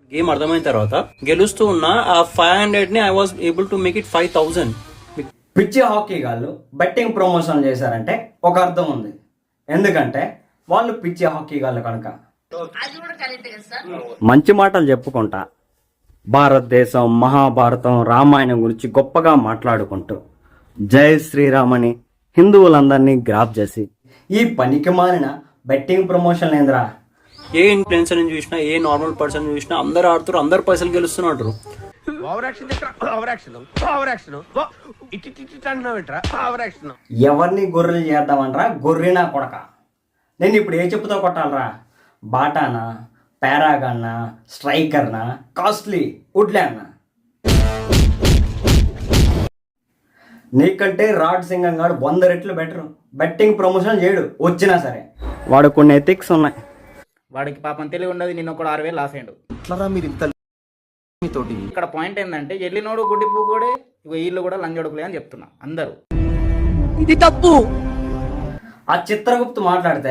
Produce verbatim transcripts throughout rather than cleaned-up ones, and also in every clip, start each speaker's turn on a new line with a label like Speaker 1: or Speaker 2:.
Speaker 1: Game అర్థమైన తర్వాత గెలుస్తూ ఉన్న ఆ ఫైవ్ హండ్రెడ్ ని I was able to make it five thousand.
Speaker 2: పిచ్చి హాకీ గాళ్ళు బెట్టింగ్ ప్రమోషన్ చేశారంటే ఒక అర్థం ఉంది, ఎందుకంటే వాళ్ళు పిచ్చి హాకీ గాళ్ళు కనుక. మంచి మాటలు చెప్పుకుంటా భారతదేశం, మహాభారతం, రామాయణం గురించి గొప్పగా మాట్లాడుకుంటూ జై శ్రీరామని హిందువులందరినీ గ్రాప్ చేసి ఈ పనికి మాలిన బెట్టింగ్ ప్రమోషన్ ఏంద్రా.
Speaker 1: ఏ ఇన్ఫ్లుయెన్సర్ చూసినా, ఏ నార్మల్ పర్సన్ చూసినా అందరు ఆడుతారు, అందరు పైసలు గెలుస్తున్నారు.
Speaker 2: ఎవరిని గొర్రెలు చేద్దామనరా గొర్రెనా కొడక. నేను ఇప్పుడు ఏ చెప్పుతో కొట్టాలరా? బాటానా, పారాగానా, స్ట్రైకర్నా, కాస్ట్లీ వుడ్లాండ్నా? నీకంటే రాడ్ సింగం గాడు వంద రెట్లు బెటర్. బెట్టింగ్ ప్రమోషన్ చేయడు వచ్చినా సరే. వాడు కొన్ని ఎథిక్స్ ఉన్నాయి.
Speaker 3: వాడికి పాపం తెలివి ఉండదు. నిన్న ఒక ఆరు వేలు లాస్ అయ్యాడు. ఇక్కడ పాయింట్ ఏంటంటే ఎల్లినోడు గుడ్డి పూకోడే వీళ్ళు కూడా లంజొడుకులే అని చెప్తున్నా అందరూ.
Speaker 2: ఇది తప్పు. ఆ చిత్రగుప్తు మాట్లాడితే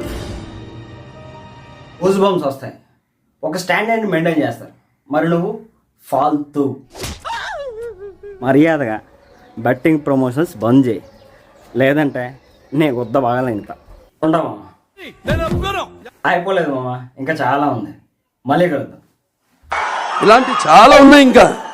Speaker 2: గూస్ బంప్స్ వస్తాయి. ఒక స్టాండర్డ్ మెయింటైన్ చేస్తారు. మరి నువ్వు ఫాల్తూ. మర్యాదగా బెట్టింగ్ ప్రమోషన్స్ బంద్ చేయి, లేదంటే నీ గుద్ద బాగాలే. ఇంకా ఉండవు అయిపోలేదు మామ, ఇంకా చాలా ఉంది. మళ్ళీ కలుద్దాం.
Speaker 4: ఇలాంటి చాలా ఉన్నాయి ఇంకా.